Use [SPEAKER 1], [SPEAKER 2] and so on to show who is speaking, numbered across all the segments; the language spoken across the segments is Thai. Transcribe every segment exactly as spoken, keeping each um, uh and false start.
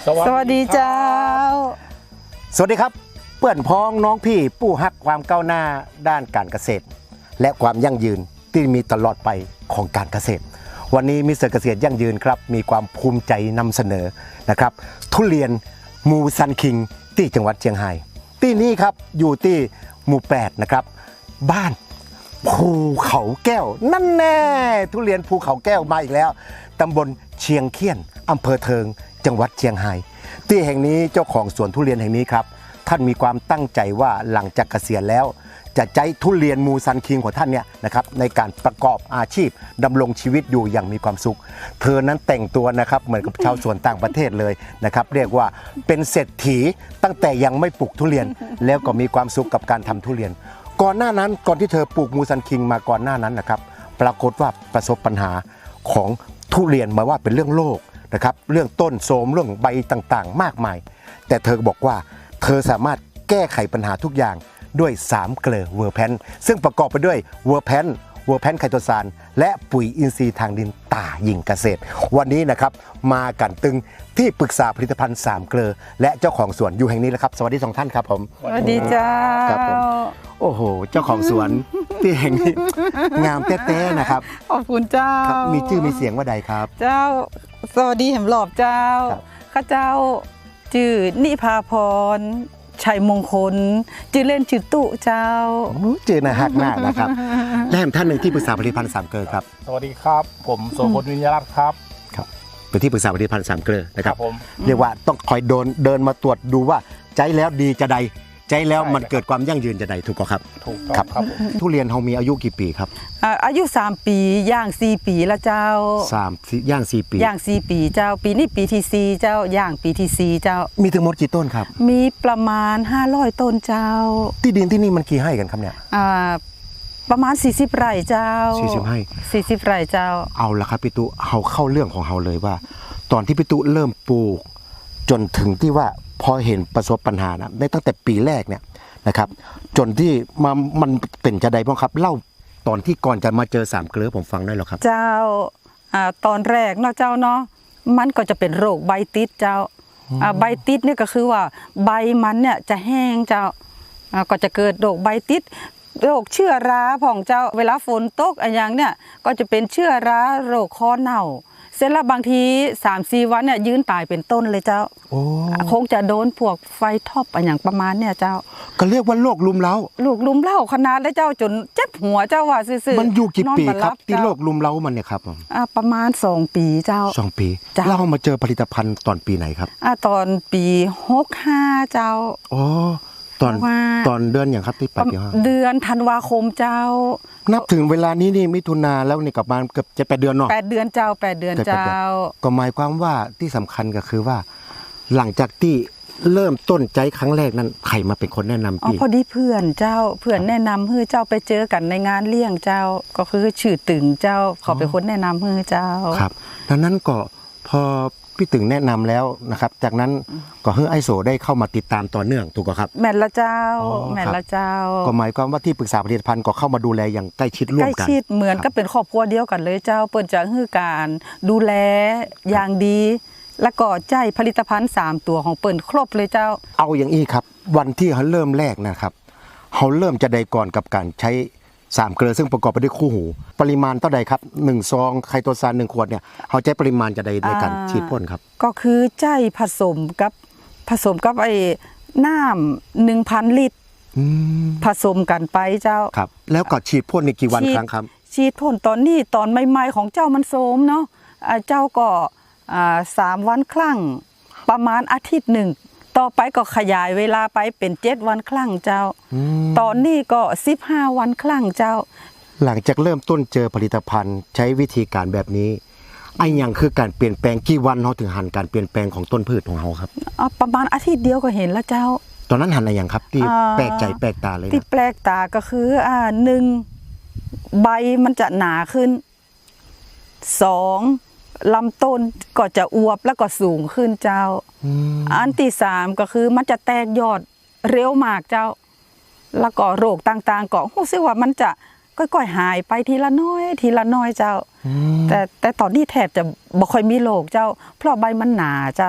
[SPEAKER 1] สวัสดีเจ้า
[SPEAKER 2] สวัสดีครับเพื่อนพ้องน้องพี่ผู้ฮักความก้าวหน้าด้านการเกษตรและความยั่งยืนที่มีตลอดไปของการเกษตรวันนี้มิสเตอร์เกษตรยั่งยืนครับมีความภูมิใจนำเสนอนะครับทุเรียนมูซันคิงที่จังหวัดเชียงรายที่นี่ครับอยู่ที่หมู่แปดนะครับบ้านภูเขาแก้วนั่นแน่ทุเรียนภูเขาแก้วมาอีกแล้วตำบลเชียงเคียนอำเภอเทิงจังหวัดเชียงรายที่แห่งนี้เจ้าของสวนทุเรียนแห่งนี้ครับท่านมีความตั้งใจว่าหลังจากเกษียณแล้วจะใช้ทุเรียนมูซันคิงของท่านเนี่ยนะครับในการประกอบอาชีพดำรงชีวิตอยู่อย่างมีความสุขเธอนั้นแต่งตัวนะครับเหมือนกับชาวสวนต่างประเทศเลยนะครับเรียกว่าเป็นเศรษฐีตั้งแต่ยังไม่ปลูกทุเรียนแล้วก็มีความสุขกับการทำทุเรียนก่อนหน้านั้นก่อนที่เธอปลูกมูซันคิงมาก่อนหน้านั้นนะครับปรากฏว่าประสบปัญหาของทุเรียนมาว่าเป็นเรื่องโรคนะครับเรื่องต้นโทรมเรื่องใบต่างๆมากมายแต่เธอบอกว่าเธอสามารถแก้ไขปัญหาทุกอย่างด้วยสามเกลือเวอร์แพนซึ่งประกอบไปด้วยเวอร์แพนเวอร์แพนไคโตซานและปุ๋ยอินทรีย์ทางดินตาหญิงเกษตรวันนี้นะครับมากันตึงที่ปรึกษาผลิตภัณฑ์สามเกลือและเจ้าของสวนอยู่แห่งนี้แล้วครับสวัสดีสองท่านครับผม
[SPEAKER 1] สวัสดีเจ้า
[SPEAKER 2] ครับผมโอ้โหเจ้าของสวนที่แห่งนี้งามแต้ๆนะครับ
[SPEAKER 1] ขอบคุณเจ้า
[SPEAKER 2] มีชื่อมีเสียงว่าใดครับ
[SPEAKER 1] เจ้าสวัสดีแห่มหลอบเจ้าข้าเจ้าชื่อนิพาพรชัยมงคลชื่อเล่นชื่อตุเจ้า
[SPEAKER 2] เจอหน้าฮักมากนะครับและแห่งท่านหนึ่งที่ปรึกษาผลิตภัณฑ์สามเกลือครับ
[SPEAKER 3] สวัสดีครับผมโสพลวิญญารัตน์ครับ
[SPEAKER 2] ครับเป็นที่ปรึกษาผลิตภัณฑ์สามเกลือนะครับ
[SPEAKER 3] ผม
[SPEAKER 2] เรียกว่าต้องคอยเดินเดินมาตรวจดูว่าใจแล้วดีจะใดใจแล้วมันเกิดความยั่งยืนจะใดถูกครับ
[SPEAKER 3] ถูกครับครับ
[SPEAKER 2] ทุเรียนเขามีอายุกี่ปีครับ
[SPEAKER 1] อายุสามปีย่างสี่ปีแล้วเจ้า
[SPEAKER 2] สามย่างสี่ปี
[SPEAKER 1] ย่างสี่ปีเจ้าปีนี้ปีที่สี่เจ้าย่างปีที่สี่เจ้า
[SPEAKER 2] มีทั้งหมดกี่ต้นครับ
[SPEAKER 1] มีประมาณห้าร้อยต้นเจ้า
[SPEAKER 2] ที่ดินที่นี่มันกี่ไร่กันครับเนี่ย
[SPEAKER 1] อ่าประมาณสี่สิบไร่เจ้า
[SPEAKER 2] สี่สิบไร่
[SPEAKER 1] สี่สิบไร่เจ้า
[SPEAKER 2] เอาละครับพี่ตุเอาเข้าเรื่องของเราเลยว่าตอนที่พี่ตุเริ่มปลูกจนถึงที่ว่าพอเห็นประสบปัญหานะในตั้งแต่ปีแรกเนี่ยนะครับจนที่มามันเป็นจะใดบ้างครับเล่าตอนที่ก่อนจะมาเจอสามเกลือผมฟังได้หรอครับ
[SPEAKER 1] เจ้าอ่าตอนแรกเนาะเจ้าเนาะมันก็จะเป็นโรคใบติดเจ้าอ่าใบติดเนี่ยก็คือว่าใบมันเนี่ยจะแห้งเจ้าอ่าก็จะเกิดโรคใบติดโรคเชื้อราของเจ้าเวลาฝนตกอะไรอย่างเนี่ยก็จะเป็นเชื้อราโรคคอเน่าเสร็จแล้วบางที สามสี่ วันเนี่ยยืนตายเป็นต้นเลยเจ้าคงจะโดนพวกไฟท็อปอะไรอย่างประมาณเนี่ยเจ้า
[SPEAKER 2] ก็เรียกว่าโรคลุมเล้า
[SPEAKER 1] โรคลุมเล้าขนาดแล้วเจ้าจนเจ็บหัวเจ้าว่าซื่อ
[SPEAKER 2] ๆมันอยู่กี่ปีครับที่โรคลุมเล้ามันเนี่ยครับ
[SPEAKER 1] อ่าประมาณสองปีเจ้า
[SPEAKER 2] สองปีเรามาเจอผลิตภัณฑ์ตอนปีไหนครับ
[SPEAKER 1] อ่าตอนปีหกห้าเจ้า
[SPEAKER 2] อ๋อตอนตอนเดือนอย่างครับที่ปฏิห้า
[SPEAKER 1] เดือนธันวาคมเจ้า
[SPEAKER 2] นับถึงเวลานี้นี่มิถุนาแล้วนี่กลับมาเกือบจะแปดเดือนเนาะ
[SPEAKER 1] แปดเดือนเจ้าแปดเดือนเจ้า
[SPEAKER 2] ก็หมายความว่าที่สำคัญก็คือว่าหลังจากที่เริ่มต้นใจครั้งแรกนั้นใครมาเป็นคนแนะนำ
[SPEAKER 1] พี่อ๋อพอดีเพื่อนเจ้าเพื่อนแนะนำให้เจ้าไปเจอกันในงานเลี้ยงเจ้าก็คือชื่อตึงเจ้าเขาเป็นคนแนะนำให้เจ้า
[SPEAKER 2] ครับดังนั้นก็พอพี่ตึงแนะนำแล้วนะครับจากนั้นก็ให้ไอโซได้เข้ามาติดตามต่อเนื่องถูกไหมครับ
[SPEAKER 1] แม่ละเจ้าแม่ละเจ้า
[SPEAKER 2] ก็หมายความว่าที่ปรึกษาผลิตภัณฑ์ก็เข้ามาดูแลอย่างใกล้ชิดร่วมกัน
[SPEAKER 1] ใกล้ชิดเหมือนก็เป็นครอบครัวเดียวกันเลยเจ้าเปิดจะให้การดูแลอย่างดีแล้วก็ใจผลิตภัณฑ์สามตัวของเปิ่นครบเลยเจ้า
[SPEAKER 2] เอาอย่างนี้ครับวันที่เขาเริ่มแรกนะครับเขาเริ่มจะได้ก่อนกับการใช้สามเกลือซึ่งประกอบไปด้วยคู่หูปริมาณเท่าใดครับหนึ่งซองไคโตซานหนึ่งขวดเนี่ยเขาใช้ปริมาณจะใดในการฉีดพ่นครับ
[SPEAKER 1] ก็คือใจผสมกับผสมกับไอ้น้ำหนึ่งพันลิตรผสมกันไปเจ้า
[SPEAKER 2] ครับแล้วก็ฉีดพ่นในกี่วันครั้งครับ
[SPEAKER 1] ฉีดพ่นตอนนี้ตอนใหม่ๆของเจ้ามันโสมเนาะเจ้าก็สามวันครั้งประมาณอาทิตย์หนึ่งต่อไปก็ขยายเวลาไปเป็นเจ็ดวันครั้งเจ้าตอนนี้ก็สิบห้าวันครั้งเจ้า
[SPEAKER 2] หลังจากเริ่มต้นเจอผลิตภัณฑ์ใช้วิธีการแบบนี้ไอ้ยังคือการเปลี่ยนแปลงกี่วันเราถึงหันการเปลี่ยนแปลงของต้นพืชของเราครับ
[SPEAKER 1] อ๋อประมาณอาทิตย์เดียวก็เห็นแล้วเจ้า
[SPEAKER 2] ตอนนั้นหันอะไรอย่างครับที่แปลกใจแปลกตาเลย
[SPEAKER 1] ที่แปลกตาก็คืออ่าหนึ่งใบมันจะหนาขึ้นสองลำต้นก็จะอวบแล้วก็สูงขึ้นเจ้าอันที่สามก็คือมันจะแตกยอดเร็วมากเจ้าแล้วก็โรคต่างๆก็รู้สึกว่ามันจะค่อยๆหายไปทีละน้อยทีละน้อยเจ้าแต่แต่ตอนนี้แทบจะบ่ค่อยมีโรคเจ้าเพราะใบมันหนาเจ้า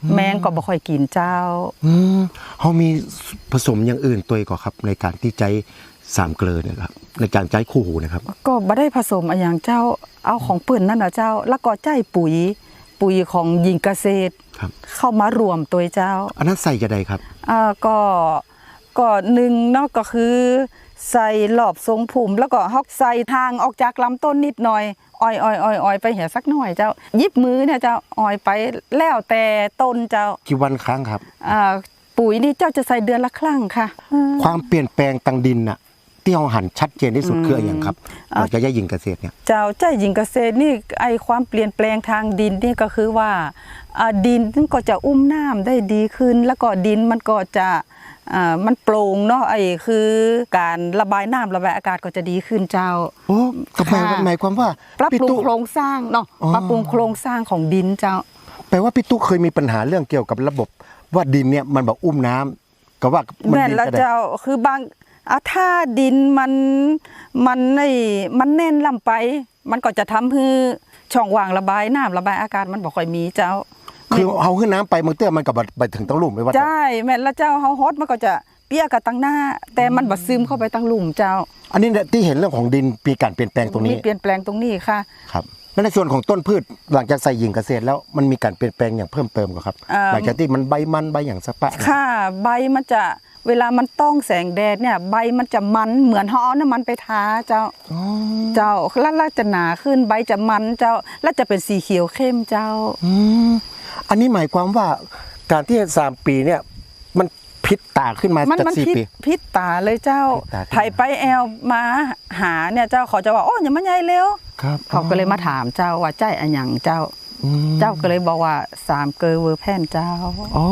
[SPEAKER 1] แมงก็บ่ค่อยกินเจ้า
[SPEAKER 2] อืมเขามีผสมอย่างอื่นตัวอีกก่อครับในการที่ใจสามเกลือเนี่ยครับในการใจคู่หูนะครับ
[SPEAKER 1] ก็บ่ได้ผสมอะไรอย่างเจ้าเอาของเปื้นนั่นน่ะเจ้า แล้วก็ใจปุ๋ยปุ๋ยของหญิงเกษตร
[SPEAKER 2] ครับ
[SPEAKER 1] เข้ามารวมตัวเจ้า
[SPEAKER 2] อันนั้นใส่จะใดครับ
[SPEAKER 1] อ่าก็ก็หนึ่งเนาะก็คือใส่หลอบทรงผุ่มแล้วก็ฮอกใส่ทางออกจากลำต้นนิดหน่อยอ้อยอ้อยอ้อยอ้อยไปเหี่ยสักหน่อยเจ้ายิบมือเนี่ยเจ้าอ้อยไปแล้วแต่ต้นเจ้า
[SPEAKER 2] กี่วันครั้งครับ
[SPEAKER 1] อ่าปุ๋ยนี่เจ้าจะใส่เดือนละครั้งค่ะ
[SPEAKER 2] ความเปลี่ยนแปลงตังดินน่ะที่เราหันชัดเจนที่สุดคืออะไรอย่างครับเราจะแยกยิงเกษตรเนี่ย
[SPEAKER 1] เจ้าใจหญิงเกษตรนี่ไอความเปลี่ยนแปลงทางดินนี่ก็คือว่าอ่าดินมันก็จะอุ้มน้ำได้ดีขึ้น แล้วก็ดินมันก็จะอ่ามันโปร่งเนาะไอคือการระบายน้ำระบายอากาศก็จะดีขึ้นเจ้า
[SPEAKER 2] โอ้ก็หมาย
[SPEAKER 1] ค่ะ
[SPEAKER 2] หมายความว่า
[SPEAKER 1] ปรับ
[SPEAKER 2] พี่
[SPEAKER 1] ปรุง
[SPEAKER 2] ตุ๊
[SPEAKER 1] โครงสร้างเนาะ
[SPEAKER 2] อ๋อ
[SPEAKER 1] ปรับปรุงโครงสร้างของดินเจ้า
[SPEAKER 2] แปลว่าพี่ตุ๊เคยมีปัญหาเรื่องเกี่ยวกับระบบว่าดินเนี่ยมันแบบอุ้มน้ำก็ว่ามัน
[SPEAKER 1] แม่น
[SPEAKER 2] ดิน
[SPEAKER 1] แล้ว
[SPEAKER 2] จะได้
[SPEAKER 1] เจ้าคือบางอ่ะถ้าดินมันมันไอมันแน่นล่ำไป มันก็จะทำให้ช่องว่างระบายน้ำระบายอากาศมันบ่ค่อยมีเจ้า
[SPEAKER 2] คือเอาขึ้นน้ำไปมันเตื้อมันกับไปถึงต้องลุ่มไม่ว่า
[SPEAKER 1] ใช่แม่นแล้วเจ้าเฮาฮอดมันก็จะเปียกกับตั้งหน้า แต่มันบ่ซึมเข้าไปตั้งหลุมเจ้า
[SPEAKER 2] อันนี้เนี่ยที่เห็นเรื่องของดินมีการเปลี่ยนแปลงตรงนี้
[SPEAKER 1] มีเปลี่ยนแปลงตรงนี้ค่ะ
[SPEAKER 2] ครับแล้วในส่วนของต้นพืชหลังจากใส่หญิงเกษตรแล้วมันมีการเปลี่ยนแปลงอย่างเพิ่มเติมกว่าครับ
[SPEAKER 1] เอ่อ
[SPEAKER 2] หลังจากที่มันใบมันใบอย่างสะปะ
[SPEAKER 1] ค่ะใบมันจะเวลามันต้องแสงแดดเนี่ยใบมันจะมันเหมือนเฮาเอาน้ำมันไปทาเจ้า
[SPEAKER 2] อ๋อ
[SPEAKER 1] เจ้าแล้วแล้วจะหนาขึ้นใบจะมันเจ้าแล้วจะเป็นสีเขียวเข้มเจ้า
[SPEAKER 2] อืมอันนี้หมายความว่าการที่สามปีเนี่ยมันพิษตาขึ้นมา
[SPEAKER 1] มัน
[SPEAKER 2] จาก
[SPEAKER 1] มัน
[SPEAKER 2] สี่
[SPEAKER 1] พิษ
[SPEAKER 2] ปี
[SPEAKER 1] พิษตาเลยเจ้า
[SPEAKER 2] พิษตาขึ้นมา
[SPEAKER 1] ไผไปแอลมาหาเนี่ยเจ้าเขาจะว่าโอ้ยอย่ามาใหญ่เร็ว
[SPEAKER 2] ครับ
[SPEAKER 1] เขาก็เลยมาถามเจ้าว่าใจอันหยังเจ้า
[SPEAKER 2] อืม
[SPEAKER 1] เจ้าก็เลยบอกว่าสามเกลอเวอร์แพนเจ้า
[SPEAKER 2] อ๋อ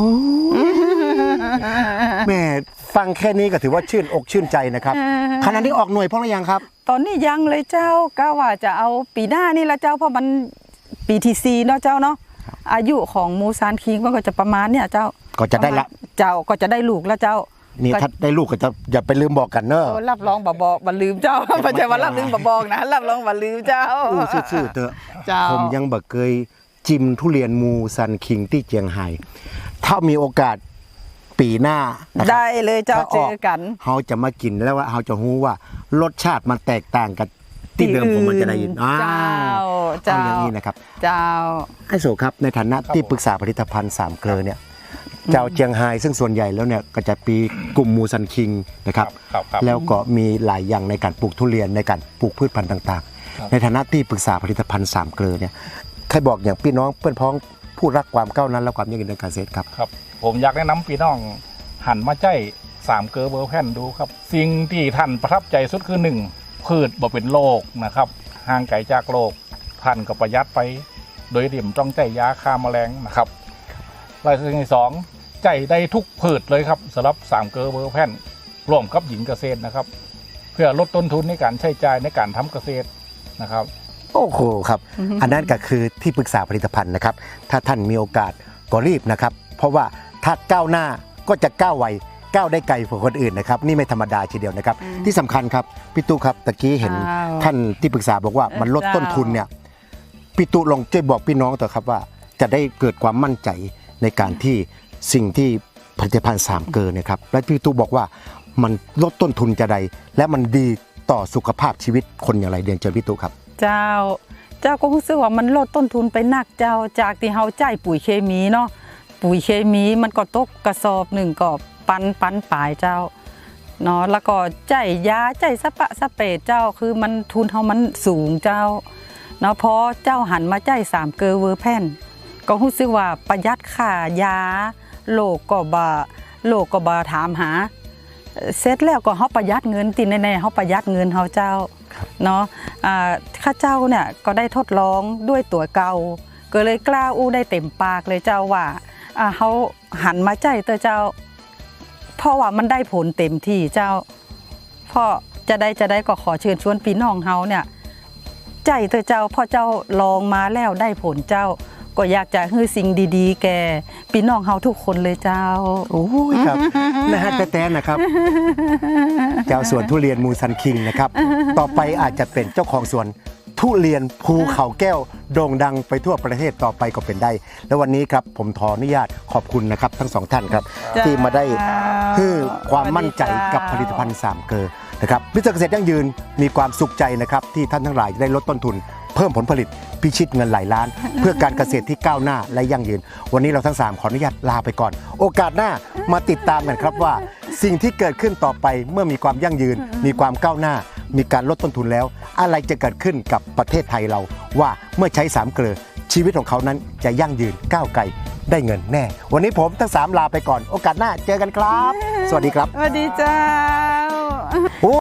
[SPEAKER 2] แม่ฟังแค่นี้ก็ถือว่าชื่นอกชื่นใจนะครับขณะนี้ออกหน่วยพ่อหรือยังครับ
[SPEAKER 1] ตอนนี้ยังเลยเจ้าก็ว่าจะเอาปีหน้านี่ละเจ้าเพราะมันปีที่สี่เนาะเจ้าเนาะอายุของมูซานคิงมันก็จะประมาณเนี่ยเจ้า
[SPEAKER 2] ก็จะได้ละ
[SPEAKER 1] เจ้าก็จะได้ลูกแล้วเจ้า
[SPEAKER 2] นี่
[SPEAKER 1] ก็
[SPEAKER 2] ถ้าได้ลูกก็จะอย่าไปลืมบอกกันเนอะ
[SPEAKER 1] เออรับรองบ่บอกบ่ลืมเจ้า ไม่ใช่ว่ารับลืมบ่บอกนะรับรองบ่ลืมเจ้า
[SPEAKER 2] อู้ซื่อๆเถอะ
[SPEAKER 1] เจ้า
[SPEAKER 2] ผมยังบ่เคยจิมทุเรียนมูซันคิงที่เจียงไฮ้ถ้ามีโอกาสปีหน้านะครับ
[SPEAKER 1] ได้เลยเจ้า
[SPEAKER 2] ถ้
[SPEAKER 1] เจอกัน
[SPEAKER 2] เขาจะมากินแล้วว่าเขาจะรู้ว่ารสชาติมันแตกต่างกันที่เดิมผมมันจะได้ยินอ้า
[SPEAKER 1] เจ้าว เจ้า
[SPEAKER 2] เอาอย่างนี้นะครับ
[SPEAKER 1] เจ้า
[SPEAKER 2] ไอ้โสครับในฐานะที่ปรึกษาผลิตภัณฑ์สามเกลอเนี่ยเจ้าเจียงไฮ้ซึ่งส่วนใหญ่แล้วเนี่ยก็จะปีกลุ่มมูซันคิงนะครับ
[SPEAKER 3] ครับครับ
[SPEAKER 2] แล้วก็มีหลายอย่างในการปลูกทุเรียนในการปลูกพืชพันธุ์ต่าง
[SPEAKER 3] ครับ
[SPEAKER 2] ๆ ในฐานะที่ปรึกษาผลิตภัณฑ์สามเกลอเนี่ยใครบอกอย่างพี่น้องเพื่อนพ้องผู้รักความก้าวหนั้นและความยั่งยืนในการเกษตรครับ
[SPEAKER 3] ครับ ผมอยากแนะนำพี่น้องหันมาใจสามเกลอเบอร์แพนดูครับ สิ่งที่ท่านประทับใจสุดคือหนึ่งพืชบ่เป็นโรคนะครับห่างไกลจากโรคท่านก็ประหยัดไป โดยเดี่ยมต้องใจยาฆ่าแมลงนะครับรายสิ่งที่สองใจได้ทุกพืชเลยครับสำหรับสามเกลอเบอร์แพนร่วมกับหญิงเกษตรนะครับ เพื่อลดต้นทุนในการใช้จ่ายในการทำเกษตรนะครับ
[SPEAKER 2] โอ้โหครับ อันนั้นก็คือที่ปรึกษาผลิตภัณฑ์นะครับ ถ้าท่านมีโอกาสก็รีบนะครับ เพราะว่าถ้าก้าวหน้าก็จะก้าวไวก้าวได้ไกลกว่าคนอื่นนะครับ นี่ไม่ธรรมดาทีเดียวนะครับ ที่สำคัญครับพี่ตู้ครับตะกี้เห็น
[SPEAKER 1] อ้าว
[SPEAKER 2] ท่านที่ปรึกษาบอกว่ามันลดต้นทุนเนี่ยพี่ตู้ลองช่วยบอกพี่น้องเถอะครับว่า จะได้เกิดความมั่นใจในการที่สิ่งที่ผลิตภัณฑ์สามเกลอเนี่ยครับและพี่ตู้บอกว่ามันลดต้นทุนจะใด และมันดีต่อสุขภาพชีวิตคนอย่างไรเรียนเชิญพี่ตู้ครับ
[SPEAKER 1] เจ้า เจ้าก็รู้สึกว่ามันลดต้นทุนไปนักเจ้าจากที่เฮาจ่ายปุ๋ยเคมีเนาะปุ๋ยเคมีมันก็ตกกระสอบหนึ่งก็ปันปันปลายเจ้าเนาะแล้วก็จ่ายยาจ่ายสะปะสะเปดเจ้าคือมันทุนเฮามันสูงเจ้าเนาะพอเจ้าหันมาจ่ายสามเกลอเวอร์แพนก็รู้สึกว่าประหยัดค่ายาโลกก็บ่โลกก็บ่ถามหาเสร็จแล้วก็เฮาประหยัดเงินติแน่ๆเฮาประหยัดเงินเฮาเจ้าเนาะอ่าข้าเจ้าเนี่ยก็ได้ทดลองด้วยตัวเก่าก็เลยกล้าอู้ได้เต็มปากเลยเจ้าว่าอ่าเฮาหันมาใจเตอเจ้าเพราะว่ามันได้ผลเต็มที่เจ้าเพราะจะได้จะได้ก็ขอเชิญชวนพี่น้องเฮาเนี่ยใจเตอเจ้าพอเจ้าลองมาแล้วได้ผลเจ้าก็อยากจะให้สิ่งดีๆ แก่พี่น้องเฮาทุกคนเลยเจ้า
[SPEAKER 2] โอ้ยครับ นะฮะแต่ๆนะครับ เจ้าสวนทุเรียนมูซันคิงนะครับ ต่อไปอาจจะเป็นเจ้าของสวนทุเรียนภูเขาแก้วโด่งดังไปทั่วประเทศต่อไปก็เป็นได้ และวันนี้ครับผมขออนุญาตขอบคุณนะครับทั้งสองท่านครับ
[SPEAKER 1] จ้า
[SPEAKER 2] ที่มาได้ให้ความมั่นใจกับผลิตภัณฑ์สามเกลอนะครับมิสเตอร์เกษตรยั่งยืนมีความสุขใจนะครับที่ท่านทั้งหลายจะได้ลดต้นทุน เพิ่มผลผลิตพิชิตเงินหลายล้าน เพื่อการเกษตรที่ก้าวหน้าและยั่งยืน วันนี้เราทั้งสามขออนุญาตลาไปก่อน โอกาสหน้ามาติดตามกันครับว่า สิ่งที่เกิดขึ้นต่อไปเมื่อมีความยั่งยืน มีความก้าวหน้า มีการลดต้นทุนแล้ว อะไรจะเกิดขึ้นกับประเทศไทยเรา ว่าเมื่อใช้สามเกลือชีวิตของเขานั้นจะยั่งยืนก้าวไกลได้เงินแน่ วันนี้ผมทั้งสามลาไปก่อน โอกาสหน้าเจอกันครับ สวัสดีครับ
[SPEAKER 1] สวัสดีเจ้า